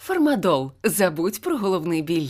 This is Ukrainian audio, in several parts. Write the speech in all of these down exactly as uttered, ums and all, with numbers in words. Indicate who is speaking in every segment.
Speaker 1: Фармадол. Забудь про головний біль.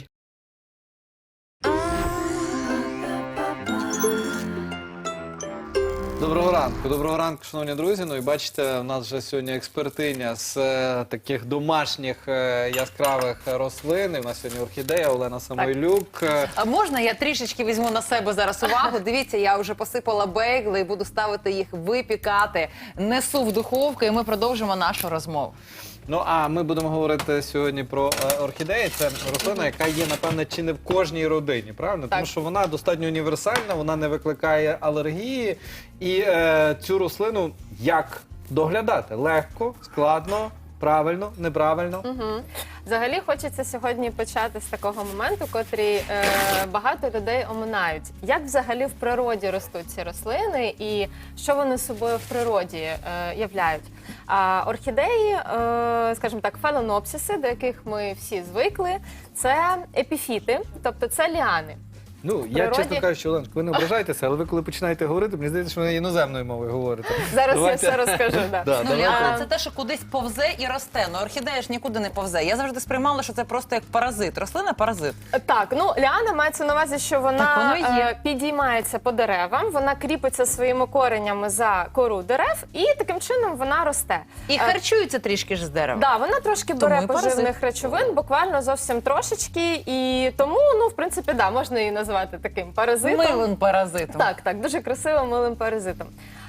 Speaker 2: Доброго ранку, доброго ранку, шановні друзі. Ну і бачите, у нас вже сьогодні експертиня з е, таких домашніх е, яскравих рослин. І у нас сьогодні орхідея Олена Самойлюк. Е,
Speaker 3: А можна я трішечки візьму на себе зараз увагу? Дивіться, я вже посипала бейгли і буду ставити їх випікати. Несу в духовку і ми продовжимо нашу розмову.
Speaker 2: Ну, а ми будемо говорити сьогодні про е, орхідеї. Це рослина, яка є, напевне, чи не в кожній родині, правильно?
Speaker 3: Так.
Speaker 2: Тому що вона достатньо універсальна, вона не викликає алергії. І е, цю рослину як доглядати? Легко, складно, правильно, неправильно?
Speaker 4: Угу. Взагалі хочеться сьогодні почати з такого моменту, котрий е, багато людей оминають. Як взагалі в природі ростуть ці рослини і що вони собою в природі е, являють? А орхідеї, е, скажімо так, фаленопсиси, до яких ми всі звикли, це епіфіти, тобто це ліани.
Speaker 2: Ну, я
Speaker 4: природі-
Speaker 2: чесно кажучи, Оленко, ви не ображайтеся, але ви коли починаєте говорити, мені здається, що ви іноземною мовою говорите.
Speaker 4: Зараз
Speaker 2: Давайте-
Speaker 4: я все розкажу. Да.
Speaker 2: Да,
Speaker 3: Ну,
Speaker 2: давайте.
Speaker 3: ліана – це те, що кудись повзе і росте. Ну, орхідея ж нікуди не повзе. Я завжди сприймала, що це просто як паразит. Рослина – паразит.
Speaker 4: Так, ну ліана мається на увазі, що вона
Speaker 3: Так воно і є.
Speaker 4: е, підіймається по деревам, вона кріпиться своїми коренями за кору дерев і таким чином вона росте.
Speaker 3: І
Speaker 4: Е,
Speaker 3: харчується трішки ж з дерева.
Speaker 4: Да, вона трошки
Speaker 3: Тому
Speaker 4: бере
Speaker 3: і паразит.
Speaker 4: поживних речовин, буквально зовсім трошечки, і тому, ну, в принципі, да, можна її назвати таким паразитом.
Speaker 3: Милим паразитом.
Speaker 4: Так, так, дуже красивим милим паразитом.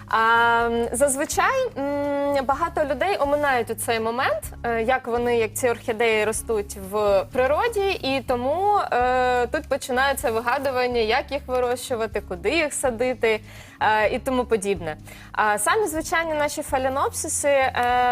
Speaker 4: А, зазвичай м, багато людей оминають у цей момент, е, як вони, як ці орхідеї ростуть в природі, і тому е, тут починається вигадування, як їх вирощувати, куди їх садити е, і тому подібне. А самі звичайні наші фаленопсиси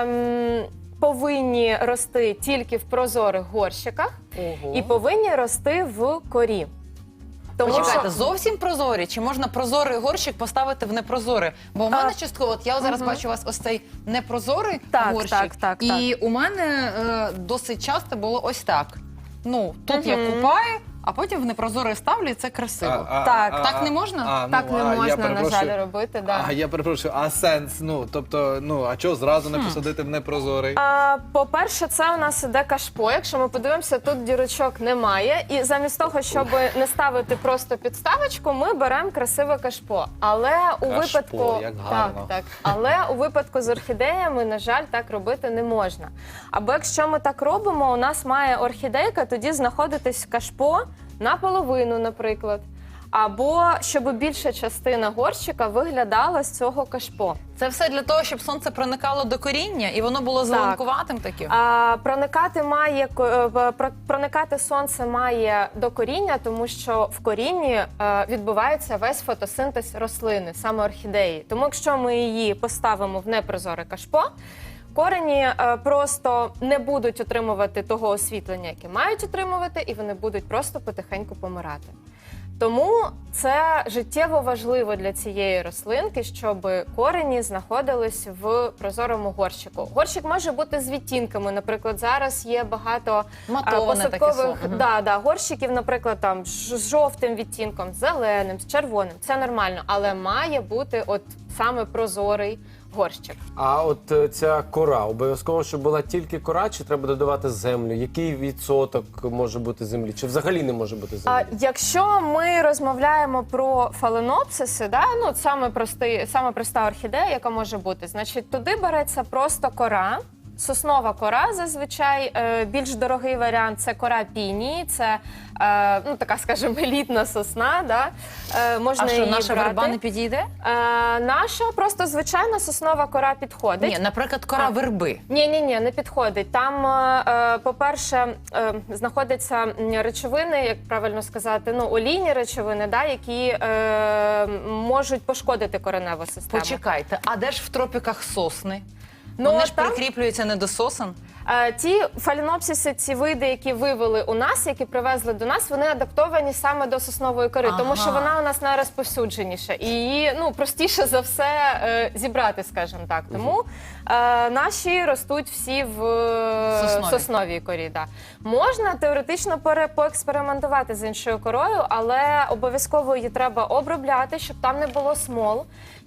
Speaker 4: ем, повинні рости тільки в прозорих горщиках
Speaker 3: Ого.
Speaker 4: і повинні рости в корі. Тому
Speaker 3: Почекайте,
Speaker 4: що-
Speaker 3: зовсім прозорі? Чи можна прозорий горщик поставити в непрозорий? Бо у мене
Speaker 4: А,
Speaker 3: частково, от я зараз бачу у вас ось цей непрозорий
Speaker 4: Так,
Speaker 3: горщик.
Speaker 4: так, так,
Speaker 3: І у мене е, досить часто було ось так. Ну, тут я
Speaker 4: Мгм.
Speaker 3: купаю, а потім в непрозорий ставлю, і це красиво.
Speaker 4: Так.
Speaker 3: Так не можна?
Speaker 2: а, ну,
Speaker 4: Так не
Speaker 2: а, я
Speaker 4: можна, на
Speaker 2: перепрошую.
Speaker 4: жаль, робити. Да.
Speaker 2: А я перепрошую, а сенс? Ну, тобто, ну, а чого зразу не посадити в непрозорий?
Speaker 4: А, по-перше, це у нас іде кашпо. Якщо ми подивимося, тут дірочок немає. І замість того, щоб не ставити просто підставочку, ми беремо красиве кашпо. Але у
Speaker 2: Кашпо,
Speaker 4: випадку
Speaker 2: як гарно.
Speaker 4: так, так. Але у випадку з орхідеями, на жаль, так робити не можна. Або якщо ми так робимо, у нас має орхідейка тоді знаходитись кашпо наполовину, наприклад. Або щоб більша частина горщика виглядала з цього кашпо.
Speaker 3: Це все для того, щоб сонце проникало до коріння, і воно було зеленкуватим таким?
Speaker 4: А, проникати має ко- е, про- проникати сонце має до коріння, тому що в корінні е, відбувається весь фотосинтез рослини, саме орхідеї. Тому якщо ми її поставимо в непрозоре кашпо, корені е, просто не будуть отримувати того освітлення, яке мають отримувати, і вони будуть просто потихеньку помирати. Тому це життєво важливо для цієї рослинки, щоб корені знаходились в прозорому горщику. Горщик може бути з відтінками. Наприклад, зараз є багато а,
Speaker 3: Матоване таке
Speaker 4: посадкових
Speaker 3: слово.
Speaker 4: да, да, горщиків, наприклад, там ж- з жовтим відтінком, з зеленим, з червоним. Це нормально, але має бути от саме прозорий горщик.
Speaker 5: А от е, ця кора, обов'язково, щоб була тільки кора, чи треба додавати землю? Який відсоток може бути землі? Чи взагалі не може бути землі?
Speaker 4: А якщо ми розмовляємо про фаленопсиси, да, ну саме простий, саме проста орхідея, яка може бути, значить туди береться просто кора. Соснова кора зазвичай е, більш дорогий варіант це кора пінії, це е, ну така, скажімо, елітна сосна. Да? Е, можна
Speaker 3: А що,
Speaker 4: її
Speaker 3: наша
Speaker 4: брати.
Speaker 3: верба не підійде?
Speaker 4: Е, наша просто звичайна соснова кора підходить.
Speaker 3: Ні, наприклад, кора
Speaker 4: А.
Speaker 3: верби.
Speaker 4: Ні, ні, ні, не підходить. Там, е, е, по-перше, е, знаходяться м, речовини, як правильно сказати, ну олійні речовини, да, які е, можуть пошкодити кореневу систему.
Speaker 3: Почекайте, а де ж в тропіках сосни?
Speaker 4: Ну,
Speaker 3: Вони ж
Speaker 4: там-
Speaker 3: прикріплюються не до сосен.
Speaker 4: Е, Ті фаленопсиси, ці види, які вивели у нас, які привезли до нас, вони адаптовані саме до соснової кори,
Speaker 3: Ага.
Speaker 4: тому що вона у нас найрозповсюдженіша і її ну простіше за все е, зібрати, скажімо так. Тому е, наші ростуть всі в е,
Speaker 3: Сосновій.
Speaker 4: сосновій корі. Да. Можна теоретично пере- поекспериментувати з іншою корою, але обов'язково її треба обробляти, щоб там не було смол,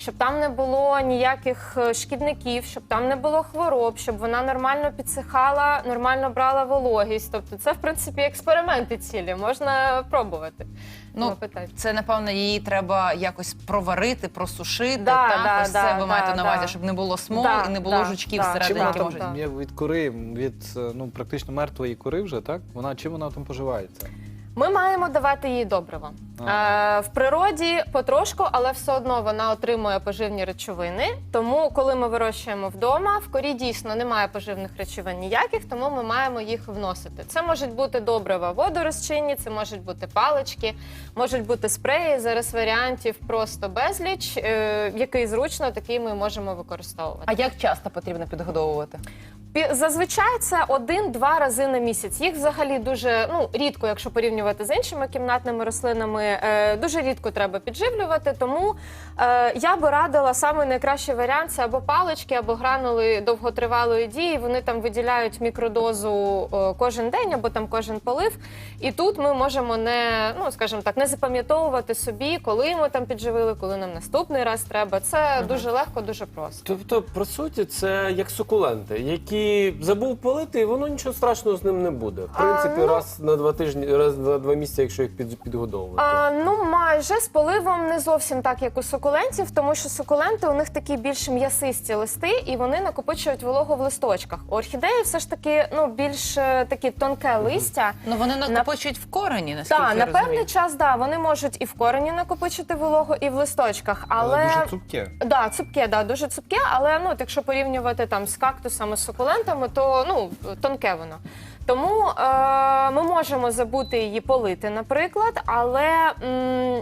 Speaker 4: щоб там не було ніяких е, шкідників, щоб там не було хвороб, щоб вона нормально підсихала, нормально брала вологість. Тобто це, в принципі, експерименти цілі, можна пробувати.
Speaker 3: Ну,
Speaker 4: Питати.
Speaker 3: це, напевно, її треба якось проварити, просушити.
Speaker 4: Да,
Speaker 3: так?
Speaker 4: да,
Speaker 3: Ось
Speaker 4: да,
Speaker 3: це ви
Speaker 4: да,
Speaker 3: маєте на увазі,
Speaker 4: да.
Speaker 3: щоб не було смол
Speaker 4: Да,
Speaker 3: і не було
Speaker 4: да,
Speaker 3: жучків
Speaker 4: да.
Speaker 3: всередині,
Speaker 2: Чим вона
Speaker 3: які
Speaker 2: там
Speaker 3: можуть...
Speaker 4: Так.
Speaker 2: є від кори, від е, ну, практично мертвої кори вже, так? Вона, чим вона там поживається?
Speaker 4: Ми маємо давати їй добрива.
Speaker 2: Ага.
Speaker 4: Е, в природі потрошку, але все одно вона отримує поживні речовини. Тому, коли ми вирощуємо вдома, в корі дійсно немає поживних речовин ніяких, тому ми маємо їх вносити. Це можуть бути добрива водорозчинні, це можуть бути палички, можуть бути спреї. Зараз варіантів просто безліч. Е, який зручно, такий ми можемо використовувати.
Speaker 3: А як часто потрібно підгодовувати?
Speaker 4: Пі- Зазвичай це один-два рази на місяць. Їх взагалі дуже ну рідко, якщо порівнювати з іншими кімнатними рослинами, е, дуже рідко треба підживлювати. Тому е, я би радила саме найкращий варіант це або палички, або гранули довготривалої дії. Вони там виділяють мікродозу е, кожен день, або там кожен полив. І тут ми можемо не ну скажімо так, не запам'ятовувати собі, коли ми там підживили, коли нам наступний раз треба. Це дуже легко, дуже просто.
Speaker 5: Тобто, по суті, це як сукуленти, які забув полити, і воно нічого страшного з ним не буде. В принципі,
Speaker 4: А, ну-
Speaker 5: раз на два тижні, раз на два місяці, якщо їх під, підгодовувати.
Speaker 4: А, ну, майже з поливом не зовсім так, як у сукулентів, тому що сукуленти у них такі більш м'ясисті листи, і вони накопичують вологу в листочках. У орхідеї все ж таки ну більш е, таке тонке листя.
Speaker 3: Ну, вони накопичують в корені, наскільки
Speaker 4: Так,
Speaker 3: я
Speaker 4: на
Speaker 3: розумію.
Speaker 4: певний час, да, вони можуть і в корені накопичити вологу, і в листочках, але,
Speaker 2: дуже цупке.
Speaker 4: Да, цупке, да, дуже цупке, але ну, от якщо порівнювати там з кактусами, з сукулентами, то ну, тонке воно. Тому е, ми можемо забути її полити, наприклад, але м,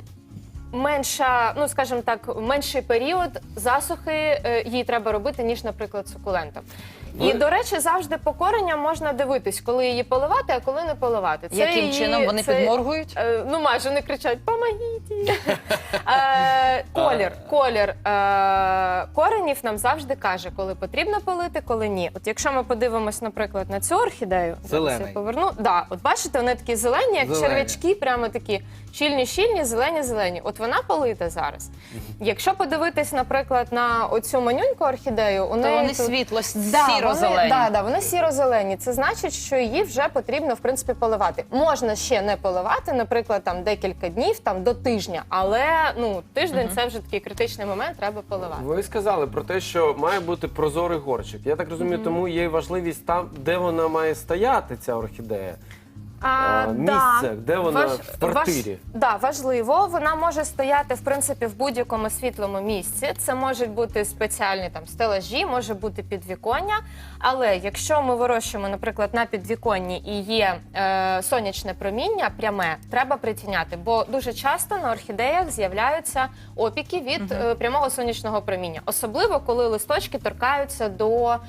Speaker 4: менша, ну скажімо так, менший період засухи е, їй треба робити, ніж, наприклад, сукулентам. І,
Speaker 5: Ви-
Speaker 4: до речі, завжди по коренням можна дивитись, коли її поливати, а коли не поливати. Це
Speaker 3: Яким
Speaker 4: її-
Speaker 3: чином вони
Speaker 4: це-
Speaker 3: підморгують?
Speaker 4: Е, Ну, майже не кричать «Помогіть!». Е, Колір, колір е, коренів нам завжди каже, коли потрібно полити, коли ні. От якщо ми подивимось, наприклад, на цю орхідею, зараз
Speaker 2: Зелений.
Speaker 4: я поверну. Да, от бачите, вони такі зелені, як
Speaker 2: Зелені.
Speaker 4: черв'ячки, прямо такі щільні-щільні, зелені-зелені. От вона полита зараз. Якщо подивитись, наприклад, на оцю манюньку орхідею, у
Speaker 3: То
Speaker 4: неї
Speaker 3: вони
Speaker 4: тут...
Speaker 3: світло,
Speaker 4: Да,
Speaker 3: сіро-зелені.
Speaker 4: Вони, да, да, вони сіро-зелені. Це значить, що її вже потрібно, в принципі, поливати. Можна ще не поливати, наприклад, там декілька днів, там до тижня, але ну тиждень це вже такий критичний момент, треба поливати.
Speaker 5: Ви сказали про те, що має бути прозорий горщик. Я так розумію, тому є важливість там, де вона має стояти, ця орхідея. А, місце, де вона в квартирі?
Speaker 4: Важ, да, важливо. Вона може стояти, в принципі, в будь-якому світлому місці. Це можуть бути спеціальні там стелажі, може бути підвіконня. Але якщо ми вирощуємо, наприклад, на підвіконні і є е, сонячне проміння пряме, треба притіняти, бо дуже часто на орхідеях з'являються опіки від е, прямого сонячного проміння. Особливо, коли листочки торкаються до, е,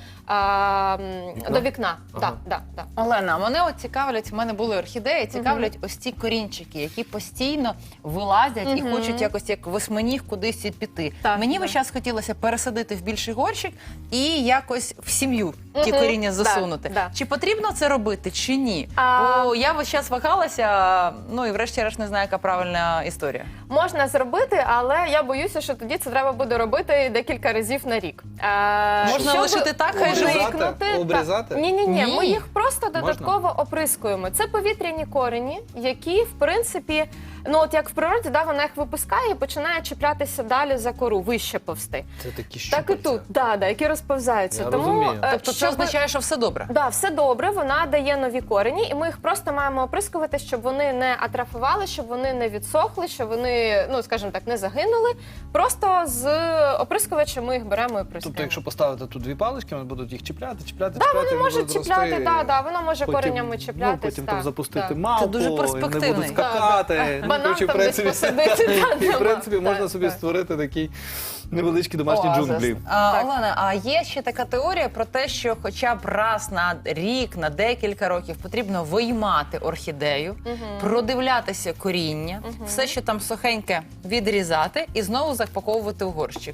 Speaker 5: Вікна?
Speaker 4: до вікна.
Speaker 5: Ага.
Speaker 4: Да, да, да.
Speaker 3: Олена, мене от цікавлять, в мене були орхідеї, цікавлять ось ці корінчики, які постійно вилазять і
Speaker 4: Мгм.
Speaker 3: хочуть якось як восьминіг кудись піти.
Speaker 4: Так,
Speaker 3: Мені
Speaker 4: да.
Speaker 3: весь час хотілося пересадити в більший горщик і якось в сім'ю ті
Speaker 4: Мгм.
Speaker 3: коріння
Speaker 4: Да,
Speaker 3: засунути.
Speaker 4: да.
Speaker 3: Чи потрібно це робити, чи ні?
Speaker 4: А-
Speaker 3: Бо я весь час вагалася, ну і врешті-решт не знаю, яка правильна історія.
Speaker 4: Можна зробити, але я боюся, що тоді це треба буде робити декілька разів на рік. Е,
Speaker 3: Можна
Speaker 4: щоб
Speaker 3: лишити так, хай
Speaker 2: Обрізати?
Speaker 4: уникнути-
Speaker 2: Обрізати?
Speaker 4: Ні, ні, ні.
Speaker 3: Ні.
Speaker 4: Ми їх просто додатково оприскуємо. Це повітряні корені, які в принципі, ну от як в природі, да, вона їх випускає і починає чіплятися далі за кору, вище повсти.
Speaker 2: Це такі
Speaker 4: Так і
Speaker 2: щупальця.
Speaker 4: тут, да, да, які розповзаються.
Speaker 2: Я
Speaker 4: Тому
Speaker 2: розумію.
Speaker 4: е,
Speaker 3: Тобто це
Speaker 4: щоб-
Speaker 3: означає, що все добре.
Speaker 4: Да, все добре, вона дає нові корені, і ми їх просто маємо оприскувати, щоб вони не атрофували, щоб вони не відсохли, щоб вони, ну скажімо так, не загинули. Просто з оприскувача ми їх беремо і оприскуємо.
Speaker 2: Тобто, якщо поставити тут дві палички, вони будуть їх чіпляти, чіпляти,
Speaker 4: Да,
Speaker 2: чіпляти.
Speaker 4: вони можуть
Speaker 2: будуть
Speaker 4: чіпляти,
Speaker 2: рости.
Speaker 4: да, да, вона може
Speaker 2: Потім,
Speaker 4: коренями чіплятись.
Speaker 2: Ну, потім
Speaker 4: так,
Speaker 2: там запустити
Speaker 4: так.
Speaker 2: мавпу,
Speaker 3: Це дуже
Speaker 2: і не
Speaker 3: перспективний.
Speaker 2: будуть скакати.
Speaker 4: Да, да.
Speaker 2: Ну,
Speaker 4: Банан
Speaker 2: коротше, в
Speaker 4: там
Speaker 2: принципі,
Speaker 4: десь посадити, да,
Speaker 2: і в
Speaker 4: нема.
Speaker 2: принципі можна
Speaker 4: Так,
Speaker 2: собі
Speaker 4: так.
Speaker 2: створити такий невеличкі домашні
Speaker 3: Оазис.
Speaker 2: джунглі.
Speaker 3: А,
Speaker 4: Так.
Speaker 3: Олена, а є ще така теорія про те, що хоча б раз на рік, на декілька років потрібно виймати орхідею, продивлятися коріння, все, що там сухеньке, відрізати і знову запаковувати у горщик.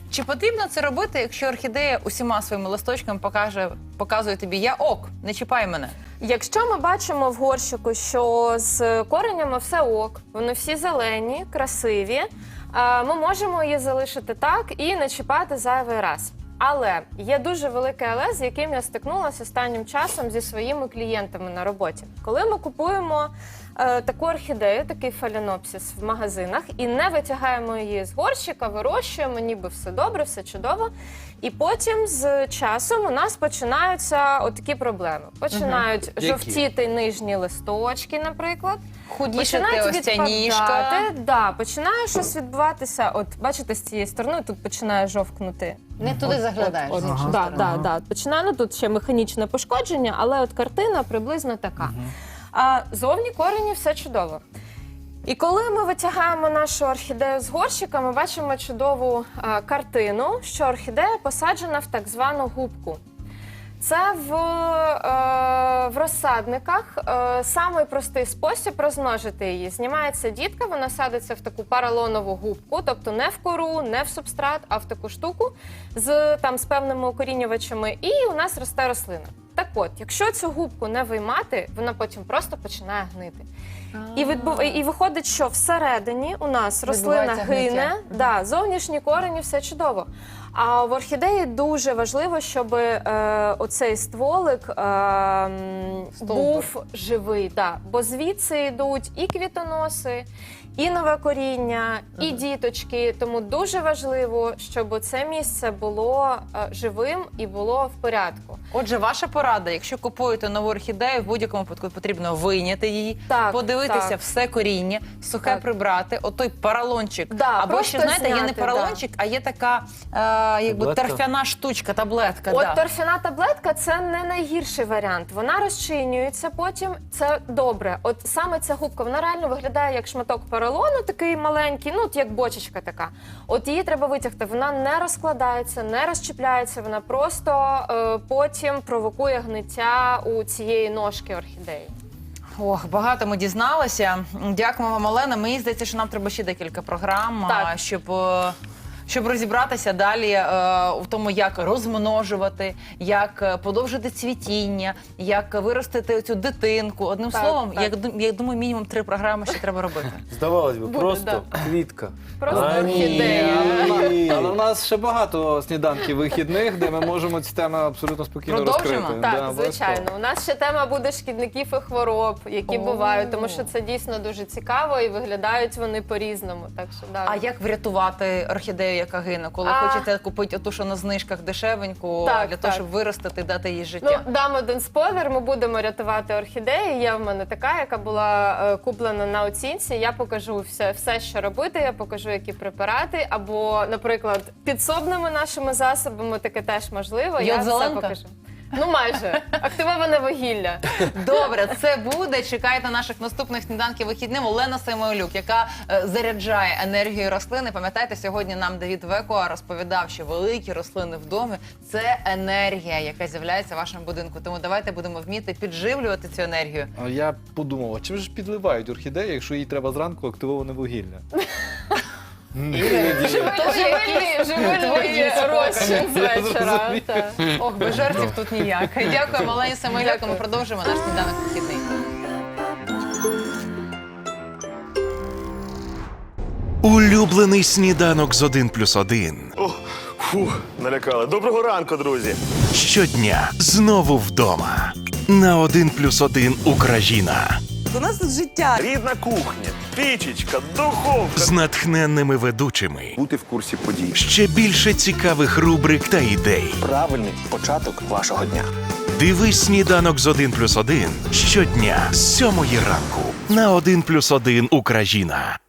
Speaker 3: Чи потрібно це робити, якщо орхідея усіма своїми листочками покаже, показує тобі «я ок, не чіпай мене»?
Speaker 4: Якщо ми бачимо в горщику, що з коренями все ок, вони всі зелені, красиві, е, ми можемо її залишити так і не чіпати зайвий раз. Але є дуже велике але, з яким я стикнулася останнім часом зі своїми клієнтами на роботі. Коли ми купуємо е, таку орхідею, такий фаленопсис в магазинах і не витягаємо її з горщика, вирощуємо, ніби все добре, все чудово. І потім з часом у нас починаються отакі проблеми. Починають
Speaker 2: Які?
Speaker 4: жовтіти нижні листочки, наприклад.
Speaker 3: Худішати
Speaker 4: Починають
Speaker 3: ось ця ніжка.
Speaker 4: відпадати. Да, починає щось відбуватися. От бачите, з цієї сторони тут починає жовкнути.
Speaker 3: Не туди заглядаєш.
Speaker 4: От,
Speaker 3: з іншої
Speaker 4: да,
Speaker 3: сторони.
Speaker 4: да, да. Починає, ну, тут ще механічне пошкодження, але от картина приблизно така. А зовні корені все чудово. І коли ми витягаємо нашу орхідею з горщика, ми бачимо чудову а, картину, що орхідея посаджена в так звану губку. Це в, е, в розсадниках е, самий простий спосіб розмножити її. Знімається дітка, вона садиться в таку поролонову губку, тобто не в кору, не в субстрат, а в таку штуку з, там, з певними укорінювачами, і у нас росте рослина. Так от, якщо цю губку не виймати, вона потім просто починає гнити. І, відбув... і виходить, що всередині у нас рослина
Speaker 3: Відбувається
Speaker 4: гине,
Speaker 3: гниття.
Speaker 4: да, зовнішні корені, все чудово. А в орхідеї дуже важливо, щоб е, оцей стволик е, м, був живий. Да, бо звідси йдуть і квітоноси, і нове коріння, і діточки. Тому дуже важливо, щоб це місце було е, живим і було в порядку.
Speaker 3: Отже, ваша порада, якщо купуєте нову орхідею, в будь-якому випадку потрібно вийняти її,
Speaker 4: Так,
Speaker 3: подивитися
Speaker 4: так.
Speaker 3: все коріння, сухе
Speaker 4: Так.
Speaker 3: прибрати, отой поролончик.
Speaker 4: Да,
Speaker 3: Або
Speaker 4: просто
Speaker 3: ще, знаєте, є не
Speaker 4: зняти,
Speaker 3: поролончик, а є така е, якби
Speaker 5: Таблетка?
Speaker 3: торфяна штучка, таблетка.
Speaker 4: От
Speaker 3: да.
Speaker 4: торфяна таблетка – це не найгірший варіант. Вона розчинюється потім, це добре. От саме ця губка, вона реально виглядає як шматок поролону, такий маленький, ну от як бочечка така. От її треба витягти, вона не розкладається, не розчіпляється, вона просто е, потім провокує гниття у цієї ножки орхідеї.
Speaker 3: Ох, багато ми дізналися. Дякуємо вам, Олена. Мені здається, що нам треба ще декілька програм,
Speaker 4: Так.
Speaker 3: а, щоб, е, щоб розібратися далі е, в тому, як розмножувати, як е, подовжити цвітіння, як виростити цю дитинку. Одним
Speaker 4: Так,
Speaker 3: словом,
Speaker 4: так.
Speaker 3: Я, ду- я думаю, мінімум три програми ще треба робити.
Speaker 5: Здавалось би,
Speaker 4: Буде,
Speaker 5: просто квітка.
Speaker 4: Просто
Speaker 5: А, ні.
Speaker 4: орхідея.
Speaker 5: Ні.
Speaker 2: Але у нас ще багато сніданків вихідних, де ми можемо ці теми абсолютно спокійно
Speaker 3: Продовжимо?
Speaker 2: розкрити.
Speaker 4: Так,
Speaker 2: Да, обов'язково.
Speaker 4: звичайно. У нас ще тема буде шкідників і хвороб, які
Speaker 3: О.
Speaker 4: бувають, тому що це дійсно дуже цікаво і виглядають вони по-різному. Так що, да.
Speaker 3: А як врятувати орхідею, яка гине? Коли
Speaker 4: А.
Speaker 3: хочете купити оту, що на знижках дешевеньку,
Speaker 4: Так,
Speaker 3: для того,
Speaker 4: так.
Speaker 3: щоб виростити, дати їй життя?
Speaker 4: Ну, дам один спойлер, ми будемо рятувати орхідеї. Є в мене така, яка була е, куплена на оцінці. Я покажу все, все, що робити, я покажу, які препарати. Або, наприклад, підсобними нашими засобами таке теж можливо. Я все
Speaker 3: Йод-зеленка?
Speaker 4: покажу. Ну, майже. Активоване вугілля.
Speaker 3: Добре, це буде. Чекайте наших наступних сніданків вихідним. Олена Самойлюк, яка е, заряджає енергію рослини. Пам'ятаєте, сьогодні нам Давід Векуа розповідав, що великі рослини в домі – це енергія, яка з'являється в вашому будинку. Тому давайте будемо вміти підживлювати цю енергію.
Speaker 2: А я подумав, а чим же ж підливають орхідеї, якщо їй треба зранку активоване вугілля?
Speaker 4: Живильний, живильний розчин з вечора. Так.
Speaker 3: Ох, без жартів тут ніяк. Дякуємо Олені Самойлюк. Ми продовжуємо наш сніданок вихідний.
Speaker 6: Улюблений сніданок з один плюс один.
Speaker 7: О, фух, налякали. Доброго ранку, друзі.
Speaker 6: Щодня знову вдома. На один плюс один Україна.
Speaker 8: У нас тут життя.
Speaker 7: Рідна кухня, пічечка, духовка.
Speaker 6: З натхненними ведучими.
Speaker 9: Бути в курсі подій.
Speaker 6: Ще більше цікавих рубрик та ідей.
Speaker 9: Правильний початок вашого дня.
Speaker 6: Дивись сніданок з один плюс один щодня з сьомої ранку. На один плюс один Україна.